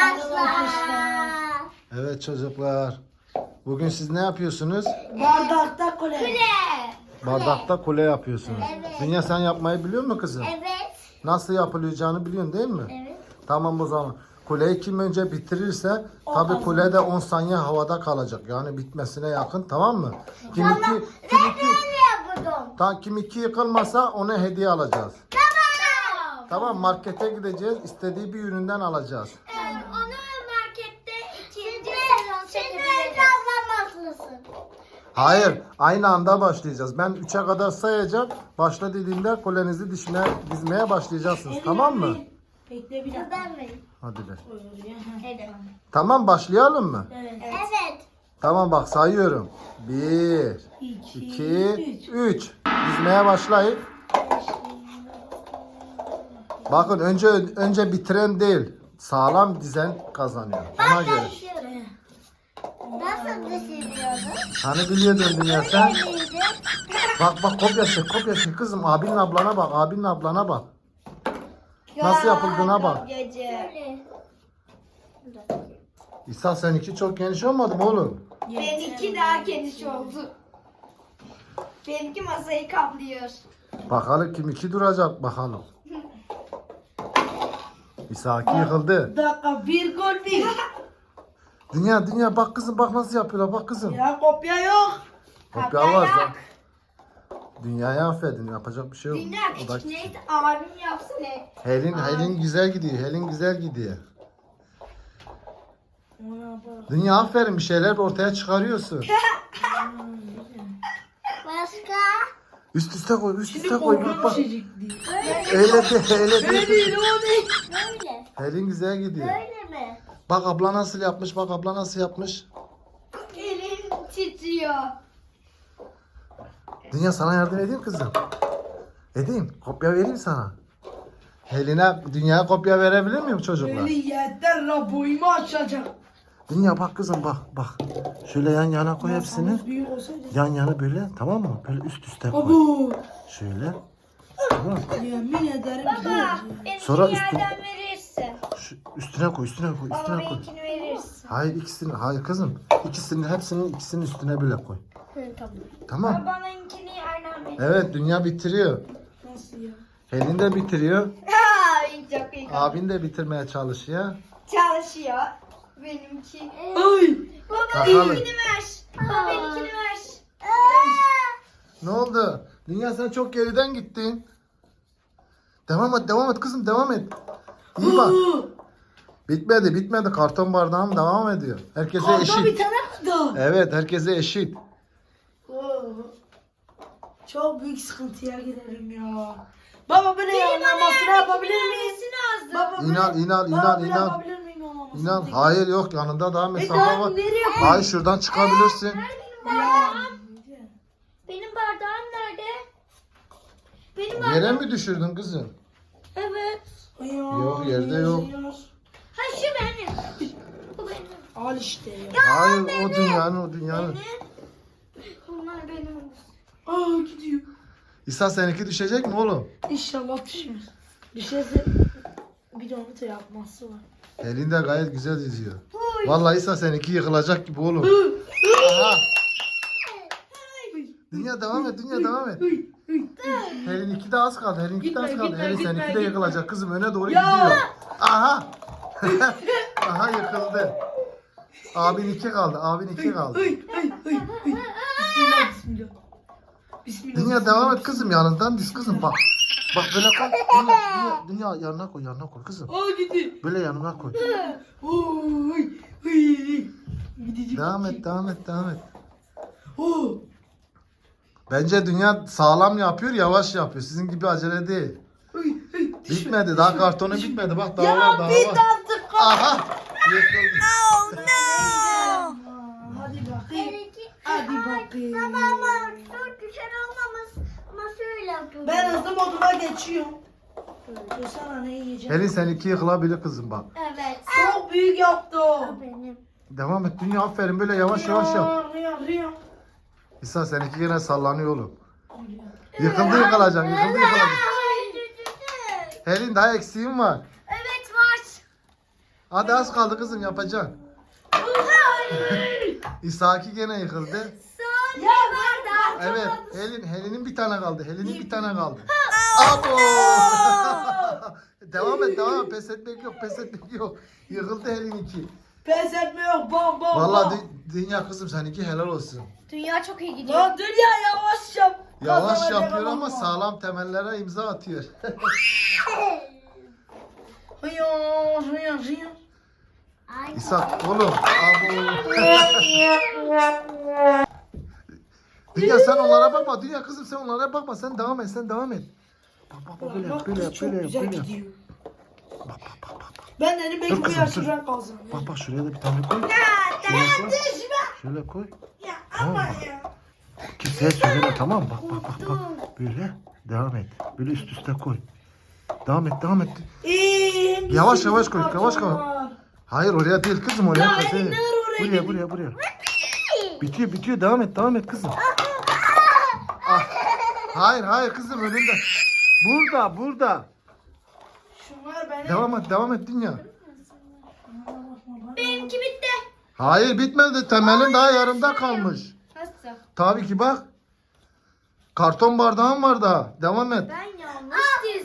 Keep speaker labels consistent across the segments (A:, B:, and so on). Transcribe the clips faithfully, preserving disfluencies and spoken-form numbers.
A: Arkadaşlar.
B: Evet çocuklar. Bugün siz ne yapıyorsunuz?
C: Bardakta kule.
A: Kule.
B: Bardakta kule yapıyorsunuz.
A: Evet.
B: Dünya sen yapmayı biliyor musun kızım?
A: Evet.
B: Nasıl yapılacağını biliyorsun değil mi?
A: Evet.
B: Tamam o zaman. Kuleyi kim önce bitirirse tabi kule de on saniye havada kalacak. Yani bitmesine yakın, tamam mı? Kim iki, kim iki,
A: Ne yapalım?
B: ta, kim iki yıkılmasa ona hediye alacağız.
A: Tamam.
B: Tamam, markete gideceğiz. İstediği bir üründen alacağız.
A: Evet. Onu markette ikinci sezon çekebiliriz.
B: Hayır, aynı anda başlayacağız. Ben üçe kadar sayacağım. Başla dediğimde kulenizi dişmeye, dizmeye başlayacaksınız. Tamam mı?
C: Bekle bir dakika.
A: Ben miyim?
B: Hadi be.
A: Evet.
B: Tamam, başlayalım mı?
C: Evet.
A: Evet.
B: Tamam bak sayıyorum. Bir,
C: İki,
B: iki,
C: üç.
B: üç. Dizmeye başlayın. Bakın önce önce bitiren değil, sağlam dizen kazanıyor. Ona göre.
A: Nasıl düşünüyorsun?
B: Hani biliyordun Dünya sen? Bak bak kopya çek, kopya çek kızım. Abinin ablana bak, abinin ablana bak. Nasıl yapıldığına bak.
A: Gece.
B: İsa seninki çok geniş olmadı mı oğlum?
D: Benimki daha geniş oldu. Benimki masayı kaplıyor.
B: Bakalım kim iki duracak bakalım. İsa iki yıkıldı.
C: Bir dakika, bir gol bir.
B: Dünya dünya bak kızım, bak nasıl yapıyorlar, bak kızım.
C: Ya kopya yok.
B: Kopya var. Dünyaya affedin, yapacak bir şey yok.
D: Dünya
B: O da-
D: küçük neydi? Abim yapsın hep.
B: Helin, Helin güzel gidiyor, Helin güzel gidiyor. Dünya aferin, bir şeyler ortaya çıkarıyorsun.
A: Başka?
B: Üst üste koy, üst
C: Şimdi
B: üste koy. Bak
C: korkunç
B: bak.
C: düşecek diye.
B: Öyle de, öyle
C: Öyle
B: de.
C: değil, o değil.
A: Böyle.
B: Helin güzel gidiyor.
A: Böyle mi?
B: Bak abla nasıl yapmış, bak abla nasıl yapmış.
D: Elim titriyor.
B: Dünya sana yardım edeyim kızım. Edeyim, kopya vereyim sana. Helin'e, Dünya'ya kopya verebilir miyim çocuklar?
C: Öyle yeter la, boyumu açacak.
B: Dünya bak kızım, bak bak. Şöyle yan yana koy hepsini.
C: Masamız büyük olsaydı.
B: Yan yana böyle, tamam mı? Böyle üst üste koy.
C: Abu.
B: Şöyle. Tamam.
C: Yemin ederim
D: Baba,
C: güzel.
D: benimkini
B: Sonra üstü-
D: yerden verirsin.
B: Şu, üstüne koy, üstüne koy,
D: Baba
B: üstüne koy.
D: benimkini verirsin.
B: Hayır ikisini, hayır kızım. İkisini, hepsinin ikisinin üstüne böyle koy.
A: Tamam.
B: Tamam.
D: Babanınkini yerden verir.
B: Evet, Dünya bitiriyor.
C: Nasıl ya?
B: Helin de bitiriyor.
D: Ay çok iyi.
B: Abin de bitirmeye çalışıyor.
D: Çalışıyor. Benimki.
C: Ay.
D: Baba
B: Bakalım.
D: benimkini ver. Baba benimkini ver.
B: Ne oldu? Dünya sen çok geriden gittin. Devam et, devam et kızım, devam et. İyi bak. Bitmedi, bitmedi. Karton bardağım devam ediyor. Herkese
C: Orada bir
B: eşit.
C: tane mi daha?
B: Evet, herkese eşit.
C: Oo. Çok büyük sıkıntıya girerim ya. Baba böyle yanlamasını yapabilir miyiz?
D: Lazım.
C: Baba böyle,
B: İnan, inan,
C: baba
B: inan,
C: böyle
B: inan.
C: yapabilir miyim yanlamasını?
B: İnan, hayır yok, yanında daha
C: E
B: mesafe
C: daha
B: var.
C: nereye koyayım?
B: Hayır, şuradan çıkabilirsin.
C: Ya.
D: Benim bardağım nerede? Benim bardağım.
B: Yere mi düşürdün kızım?
D: Evet.
C: Ya,
B: Yok, yerde yok.
D: Ha şu benim. Bu benim.
C: Al işte ya.
B: Hayır, o dünyanın, o dünyanın.
D: Bunlar benim.
C: Aa gidiyor.
B: İsa seninki düşecek mi oğlum?
C: İnşallah düşmez. Düşerse bir de onu da yapması var.
B: Elinde gayet güzel yüzüyor. Vallahi İsa seninki yıkılacak gibi oğlum. Aha. Dünya devam et, dünya devam et. Helin iki de az kaldı, Helin iki de az
C: Gitme,
B: kaldı.
C: gitme,
B: Helin
C: gitme,
B: seninki de
C: gitme.
B: yıkılacak kızım, öne doğru
C: Ya.
B: gidiyor. Aha. Aha yıkıldı. Abin iki kaldı, abin iki kaldı.
C: Ay ay ay ay. Bismillah bismillah. Bismillah.
B: Dünya devam et kızım, yanından diz kızım bak. Bak böyle koy. Dünya, dünya, dünya yanına koy, yanına koy kızım.
C: Aa gitti.
B: Böyle yanına koy.
C: Oy. Ay. Gidecek.
B: Devam et, devam et, devam et.
C: Oo.
B: Bence dünya sağlam yapıyor, yavaş yapıyor. Sizin gibi acele değil.
C: Ay ay.
B: Bitmedi, daha kartonu bitmedi. Bak daha
C: Ya
B: var, daha
C: bit
B: var.
C: artık.
B: Aha! Yıkıldı.
C: Hadi bakayım.
A: Benimki-
C: Hadi
A: Ay,
C: bakayım.
A: Tamam çok güzel olmamış. Ama şöyle yapıyorum.
C: Ben hızlı moduna geçiyorum. Dur sana ne yiyeceğim?
B: Helin seninki yıkılabilir kızım bak.
A: Evet.
C: Çok büyük yaptı o.
A: Benim.
B: Devam et dünya, aferin, böyle yavaş yavaş yap.
C: Rüya rüya.
B: İsa seninki yine sallanıyor oğlum. Yıkıldı yıkılacak, yıkıldı yıkılacak.
A: Ay, düştü.
B: Helin daha eksiğin var.
D: Evet var.
B: Hadi az kaldı kızım yapacaksın. İshaki gene yıkıldı.
A: Son ya var da.
B: Evet, Helin, Helin'in bir tane kaldı. Helin'in bir tane kaldı. Abo! Devam et, devam et. Pes etmek yok, pes etmek yok. Yıkıldı Helin'inki.
C: Pes etme yok bam bam
B: Vallahi
C: bam.
B: dü- dünya kızım seninki helal olsun.
D: Dünya çok iyi gidiyor.
C: Lan dünya yavaş yap.
B: Yavaş
C: Kazanacak
B: yapıyor ama
C: ama.
B: sağlam temellere imza atıyor.
C: Hıyar hıyar hıyar.
A: Ay.
B: İshak oğlum. Abo. Dünya sen onlara bakma. Dünya kızım sen onlara bakma. Sen devam et, sen devam et. Bak bak bak böyle yap,
C: Bak
B: böyle
C: kız
B: yap,
C: çok
B: böyle yap,
C: güzel
B: böyle yap.
C: gidiyor.
B: Bak bak bak bak.
C: Ben dedim
B: Dur
C: belki bu
B: kızım,
C: yarışı
B: dur.
C: ben kazanırım.
B: Bak bak şuraya da bir tane koy. Şöyle koy. Şöyle koy.
C: Ya
B: Tamam
C: ama
B: mı?
C: ya.
B: Kimseye söyleme tamam mı? Bak bak bak bak. Böyle devam et. Böyle üst üste koy. Devam et, devam et.
C: Ee,
B: Yavaş,
C: bizim
B: yavaş koy, yavaş koy.
C: kartonlar.
B: Hayır oraya değil kızım oraya
C: Ya
B: koy.
C: Elin,
B: değil.
C: ne var oraya
B: Buraya
C: gidin?
B: buraya buraya. Bitiyor bitiyor devam et devam et kızım. Ah. Hayır hayır kızım önünde. Burada burada.
C: Şunlar benim.
B: Devam et devam et dünya.
D: Benimki bitti.
B: Hayır bitmedi temelin daha yarımda kalmış.
D: Nasıl?
B: Tabii ki bak. Karton bardağın var daha. Devam et.
D: Ben yanlış dizdim.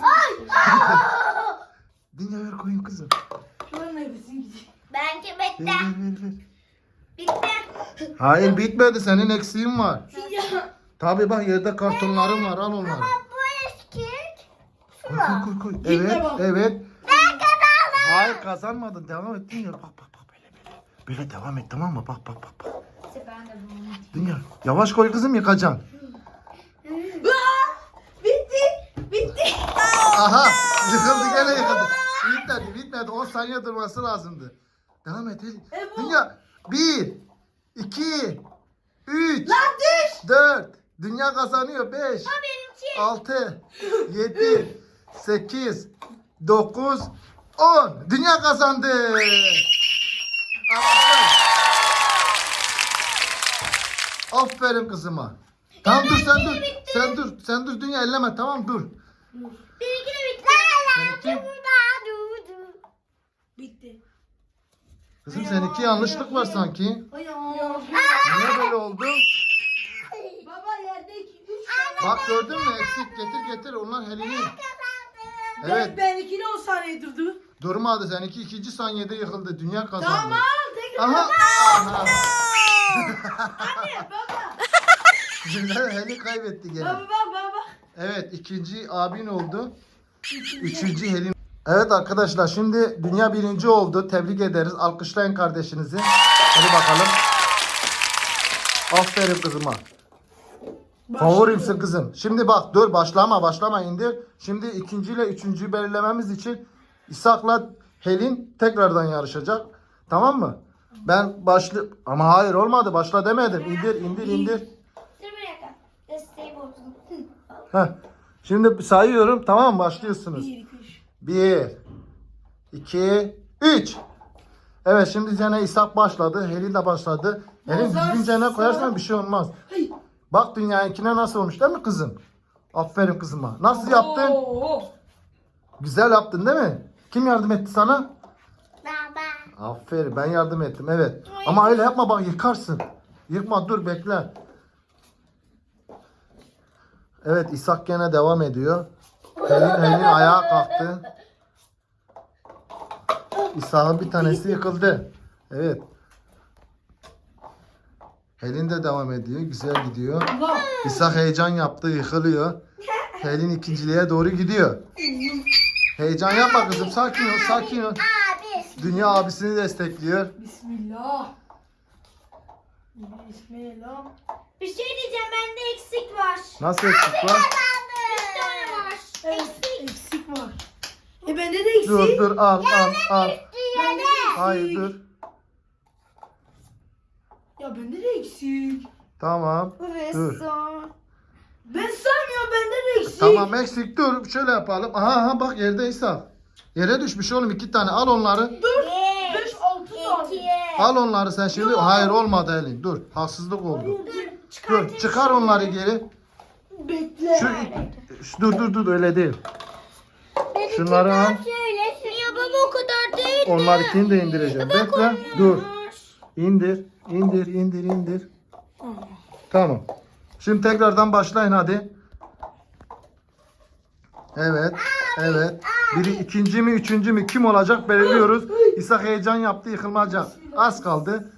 B: Dünya ver koyayım kızım.
C: Şunlar nefesin gidiyor.
D: Benimki
B: Ver
D: bitti.
B: ver ver ver.
D: Bitti.
B: Hayır bitmedi senin eksiğin var.
C: Ya.
B: Tabii bak yerde kartonların var al onları.
A: Bu eski.
B: Koy koy koy koy.
C: Gitme
B: Evet
C: bak.
B: evet.
A: Ben kazandım.
B: Hayır kazanmadın devam et Dünya. Bak bak bak böyle böyle. Böyle devam et tamam mı? Bak bak bak bak.
D: Ben de bunu.
B: Dünya yavaş koy kızım yıkacaksın.
C: Aa, bitti. Bitti.
B: Aha yıkıldı gene yıkıldı. Bitmedi bitmedi on saniye durması lazımdı. Devam et Elif.
C: E bu-
B: Dünya bir, iki, üç,
C: Lan düş.
B: dört. Dünya kazanıyor beş,
D: Benimki.
B: altı, yedi, sekiz, dokuz, on. Dünya kazandı. Alkışlar. Aferin kızıma. Tamam dur sen dur. Sen dur. Sen dur dünya elleme tamam dur.
D: Benimki de bitti.
B: Seninki,
C: Bitti.
B: kızım seninki yanlışlık var sanki.
C: Ay
B: Niye böyle oldu?
C: Baba yerdeki üç.
B: Bak gördün mü eksik getir getir onlar Helin'in.
C: Evet.
B: Evet
C: Ben ikili on saniye durdu.
B: durmadı seninki ikinci saniyede yıkıldı dünya kazandı.
C: Tamam tekrar.
B: Aha. Aha.
C: Anne baba.
B: Dünya Helin kaybetti gene.
C: Baba baba baba.
B: Evet ikinci abin oldu. Üçüncü Helin. Evet arkadaşlar şimdi dünya birinci oldu. Tebrik ederiz. Alkışlayın kardeşinizi. Hadi bakalım. Aferin kızıma. Favorimsin kızım. Şimdi bak dur başlama başlama indir. Şimdi ikinciyle üçüncüyü belirlememiz için İshak'la Helin tekrardan yarışacak. Tamam mı? Ben başlı ama hayır olmadı başla demedim. İndir indir indir.
D: Dur bir dakika. Desteği bozdum.
B: Heh. Şimdi sayıyorum tamam mı? Başlıyorsunuz.
C: Bir iki üç.
B: Bir, iki, üç. Evet şimdi Cene İshak başladı. Helin de başladı. Helin
C: Bozar-
B: düzgün Cene koyarsan bir şey olmaz.
C: Hey.
B: Bak dünyayınkine nasıl olmuş değil mi kızım? Aferin kızıma. Nasıl yaptın?
C: Oo.
B: Güzel yaptın değil mi? Kim yardım etti sana?
A: Baba.
B: Aferin ben yardım ettim evet. Ama öyle yapma bak yıkarsın. Yıkma dur bekle. Evet İshak gene devam ediyor. Helin, Helin ayağa kalktı. İshak'ın bir tanesi yıkıldı. Evet. Helin de devam ediyor. Güzel gidiyor.
C: Bak.
B: İshak heyecan yaptı. Yıkılıyor. Helin ikinciliğe doğru gidiyor. Heyecan yapma kızım. Sakin ol. Sakin ol.
A: Abi.
B: Dünya abisini destekliyor.
C: Bismillah. Bismillah.
D: Bir şey diyeceğim. Bende eksik var.
B: Nasıl eksik var?
D: Bir tane var.
C: Evet, eksik var. E bende de eksik.
B: Dur dur al al al.
C: Bende de eksik.
B: Hayır dur.
C: Ya bende de eksik.
B: Tamam.
D: Ve
B: Dur.
D: son.
C: Ben saymıyorum bende de eksik.
B: Tamam eksik dur. Şöyle yapalım. Aha aha bak yerde İshak. Yere düşmüş oğlum iki tane. Al onları.
A: Bir.
C: beş altı tane.
A: İki.
B: Al onları sen şimdi. Hayır olmadı Elin. Dur. Haksızlık oldu.
C: Dur.
B: Dur. Çıkar onları geri.
C: Bekle.
B: Şu, şu dur dur dur öyle değil. Şunları al.
A: Şöyle.
D: Ya baba o kadar değil
B: Onlar ikini de indireceğim. Bekle. Dur. İndir. İndir. indir, indir. Tamam. Şimdi tekrardan başlayın hadi. Evet. Evet. Biri ikinci mi üçüncü mü kim olacak belirliyoruz. İsa heyecan yaptı yıkılmaca. Az kaldı.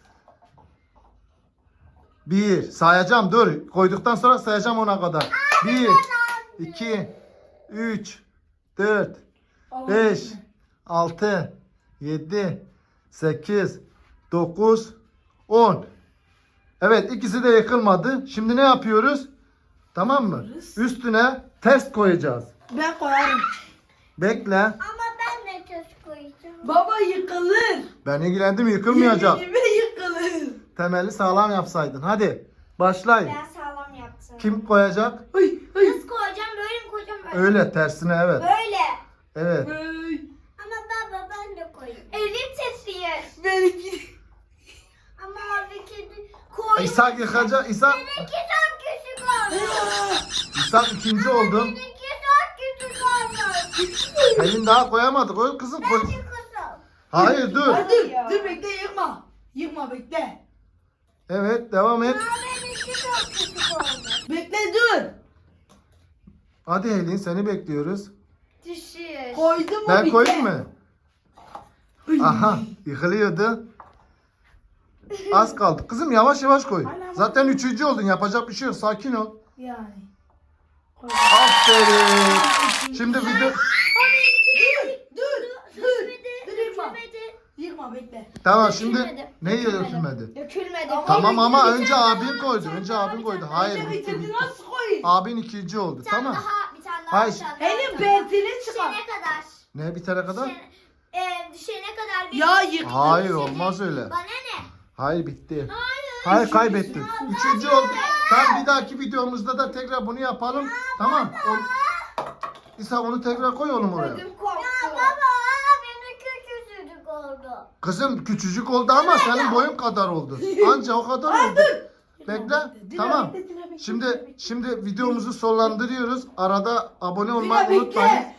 B: Bir. Sayacağım dur. Koyduktan sonra sayacağım ona kadar. Bir. iki. Üç. Dört. Beş. Altı. Yedi. Sekiz. Dokuz. On. Evet ikisi de yıkılmadı. Şimdi ne yapıyoruz? Tamam mı? Üstüne ters koyacağız.
C: Ben koyarım.
B: Bekle.
A: Ama ben de tuz koyacağım.
C: Baba yıkılır.
B: Ben ilgilendim yıkılmayacak.
C: Yeminime yıkılır.
B: Temeli sağlam yapsaydın. Hadi başlayın.
A: Ben sağlam yaptım.
B: Kim koyacak?
C: Ay ay.
A: Nasıl koyacağım? Böyle mi koyacağım? Böyle.
B: Öyle tersine evet.
A: Böyle.
B: Evet.
C: Ay.
A: Ama baba ben de koyayım. Elim titriyor.
C: Benimki.
A: Ama abi kedi koy.
B: İsa yıkacak. İsa,
A: Benimki çok küçük oldu.
B: İsa ikinci oldu.
A: Benimki çok küçük oldu.
B: Pelin daha koyamadı. Koy kızım koy.
A: Benimki kızım.
B: Hayır dur.
C: Ay, dur dur bekle yıkma. Yıkma bekle.
B: Evet devam et.
A: Ama benimki çok küçük oldu.
C: Bekle dur.
B: Hadi Helin seni bekliyoruz.
A: Düşüyor.
C: Koydum mu
B: Ben
C: bitti.
B: koyayım mı?
C: Ay.
B: Aha yıkılıyordu. Az kaldı. Kızım yavaş yavaş koy. Zaten üçüncü oldun. Yapacak bir şey yok. Sakin ol.
C: Yani. Koy.
B: Aferin. Şimdi video...
C: Dur dur dur. Dur yıkma. Yıkma bekle.
B: Tamam şimdi
A: Dökülmedi.
B: ne dökülmedi?
A: Dökülmedi.
B: Tamam ama önce abin koydu. Önce abin koydu. Hayır.
C: Önce
B: bitti,
C: bitirdi
B: bitti.
C: nasıl koyayım?
B: Abin ikinci oldu.
A: Bir tane
B: Tamam.
A: daha, bir tane daha.
B: Hayır.
A: bir tane daha, bir
C: Elin
A: tane daha.
C: bentini çıkar.
A: Düşene kadar.
B: Ne bitene kadar?
A: Düşene, e, düşene kadar bir...
C: Ya yıktı.
B: Hayır olmaz öyle.
A: Bana ne?
B: Hayır bitti.
A: Hayır.
B: Hayır kaybettin. Üçüncü oldu. Tamam bir dahaki videomuzda da tekrar bunu yapalım. Tamam. O... İsa onu tekrar koy oğlum oraya.
A: Ödüm korktu. Ya baba benimki küçücük oldu.
B: Kızım küçücük oldu ama senin boyun kadar oldu. Anca o kadar oldu. Bekle. Tamam. Şimdi şimdi videomuzu sonlandırıyoruz. Arada abone olmayı
C: Bekle,
B: unutmayın.
C: bekle.